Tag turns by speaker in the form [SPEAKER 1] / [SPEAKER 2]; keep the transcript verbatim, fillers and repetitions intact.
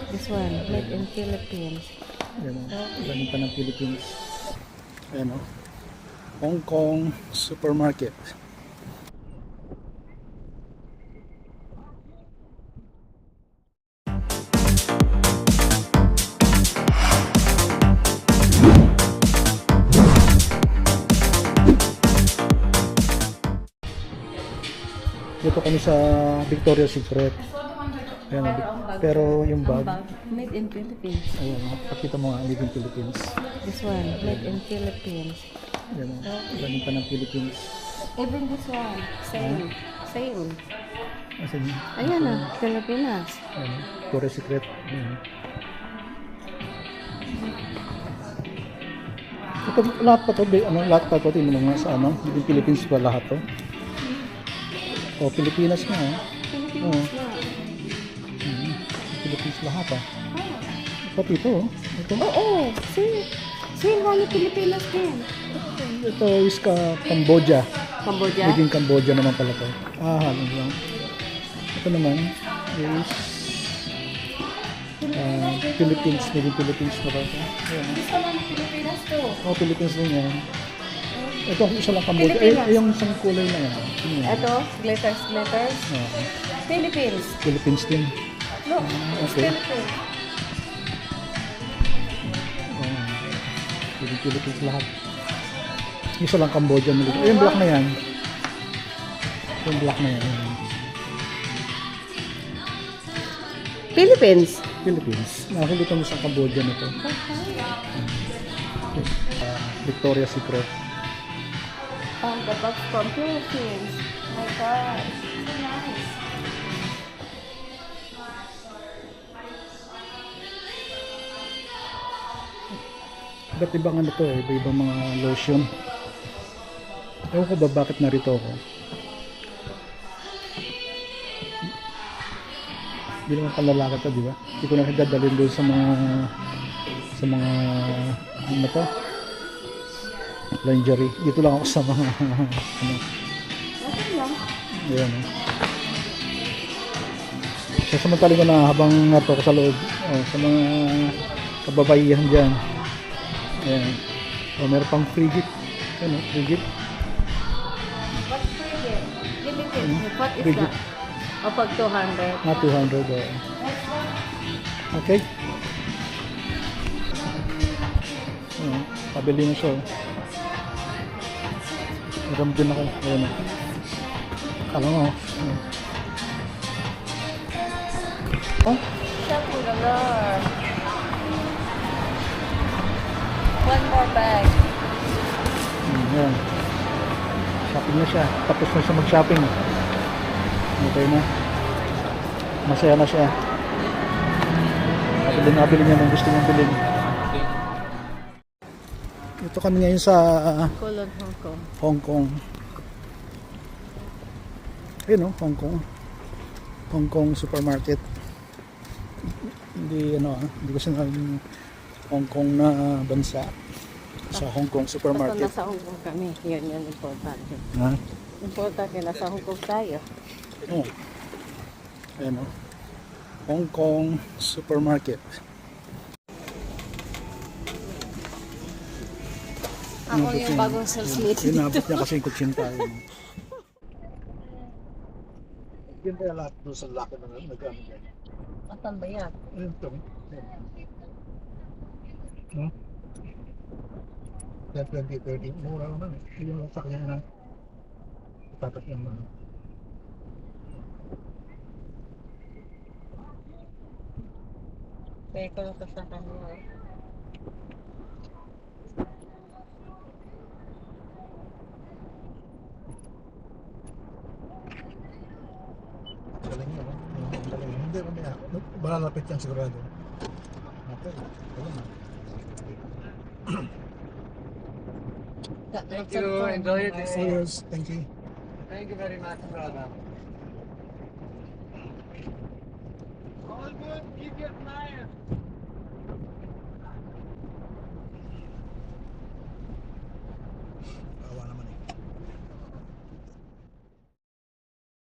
[SPEAKER 1] This one, made in Philippines.
[SPEAKER 2] Ayan o, galing pa ng Philippines. Ayan o, Hong Kong supermarket. Dito kami sa Victoria's Secret. Ayan,
[SPEAKER 1] Pero ang bag,
[SPEAKER 2] pero yung
[SPEAKER 1] ang
[SPEAKER 2] bag,
[SPEAKER 1] bag, made in Philippines.
[SPEAKER 2] ayan, pakita mo nga, made in Philippines.
[SPEAKER 1] This one, made in Philippines.
[SPEAKER 2] Ayan o, galing pa ng Philippines.
[SPEAKER 1] Even this one, same. Same.
[SPEAKER 2] Asan yun?
[SPEAKER 1] Ayan na, Pilipinas.
[SPEAKER 2] Ayan o, Victoria's Secret. Ayan. Ito, lahat pa to, ba- ano, lahat pa to, tingnan mo nga sa ano, made in Philippines pa lahat to. O, Pilipinas na o.
[SPEAKER 1] Philippines na.
[SPEAKER 2] Hmm. Philippines lahat ah. Pati ito oh. Ito.
[SPEAKER 1] Oo, oh, same. Same one yung Pilipinas din.
[SPEAKER 2] Ito is ka Cambodia.
[SPEAKER 1] Cambodia?
[SPEAKER 2] Naging Cambodia naman pala to. Ah, halong lang. Ito naman is uh, Philippines. Naging Philippines na ba ito? Ayan.
[SPEAKER 1] Gusto mo ng Pilipinas to.
[SPEAKER 2] Oh, Philippines din yan. Ito isa lang Cambodia. Ay, ay, yung isang kulay na yan. Yun yan.
[SPEAKER 1] Ito, glitters, glitters.
[SPEAKER 2] Oo.
[SPEAKER 1] Philippines.
[SPEAKER 2] Philippines din.
[SPEAKER 1] Look,
[SPEAKER 2] Ah,
[SPEAKER 1] it's
[SPEAKER 2] okay.
[SPEAKER 1] Philippines.
[SPEAKER 2] Oh, Philippines, Philippines lahat. Isa lang Cambodia. Ay, yung black na yan. Yung black na yan.
[SPEAKER 1] Philippines.
[SPEAKER 2] Philippines. Nakakita mo sa Cambodia na to. Uh, Victoria's Secret.
[SPEAKER 1] Oh, the bag from Philippines. My God, so nice.
[SPEAKER 2] Iba't ibang ano to eh. Iba-ibang mga lotion. Ewan ko ba bakit narito ako. Hindi naman panlalaki to, di ba? Hindi ko na dadalhin doon sa mga sa mga ano to? Lingerie. Dito lang ako sa mga ano.
[SPEAKER 1] Okay lang.
[SPEAKER 2] Ayan eh. Sasamantali ko na habang nato ko sa loob. Oh, sa mga kababaihan dyan. Ayan. Oh, meron pang free gift. Ano, free gift.
[SPEAKER 1] What's frigate? Philippines. What is
[SPEAKER 2] Frigate.
[SPEAKER 1] that? O pag two hundred.
[SPEAKER 2] Ah, two hundred. Oh. Okay. Oh, pabili na siya. Oh. Meron din ako. Ayan o. Kala mo. Oh.
[SPEAKER 1] Shampoo galore. One more bag.
[SPEAKER 2] Ayan. Shopping na siya. Tapos na siya mag-shopping. Okay na. Masaya na siya. Nabili na nabili niya ng gusto niyang bilhin. Ito kami ngayon sa
[SPEAKER 1] Kulon, Hong Kong.
[SPEAKER 2] Hong Kong. Ayun o, Hong Kong. Hong Kong supermarket. Hindi ano ah, hindi ko sinabing Hong Kong na bansa. Sa Hong Kong
[SPEAKER 1] Basta
[SPEAKER 2] supermarket.
[SPEAKER 1] nasa Hong Kong kami. Yan yan, importante.
[SPEAKER 2] Ha?
[SPEAKER 1] Importante, nasa Hong Kong tayo.
[SPEAKER 2] Oh. Ayan o. Hong Kong supermarket.
[SPEAKER 1] Ako yung bagong sales lady
[SPEAKER 2] Inabot
[SPEAKER 1] dito.
[SPEAKER 2] niya kasi yung kutsin tayo. Yan kaya lahat doon sa laki na nag-ano yan.
[SPEAKER 1] Asan ba yan?
[SPEAKER 2] Ayun ito. No? ten, twenty, thirty. Mura naman eh. Yung sakyan na tatak yung mga.
[SPEAKER 1] Kaya ko lang sa kanila eh.
[SPEAKER 2] Galing yun. Galing yun. Hindi, mamaya. Malalapit yan sigurado. Okay. Wala na.
[SPEAKER 1] Thank you. Enjoy it.
[SPEAKER 2] Yes, thank you.
[SPEAKER 3] Thank you very much, brother.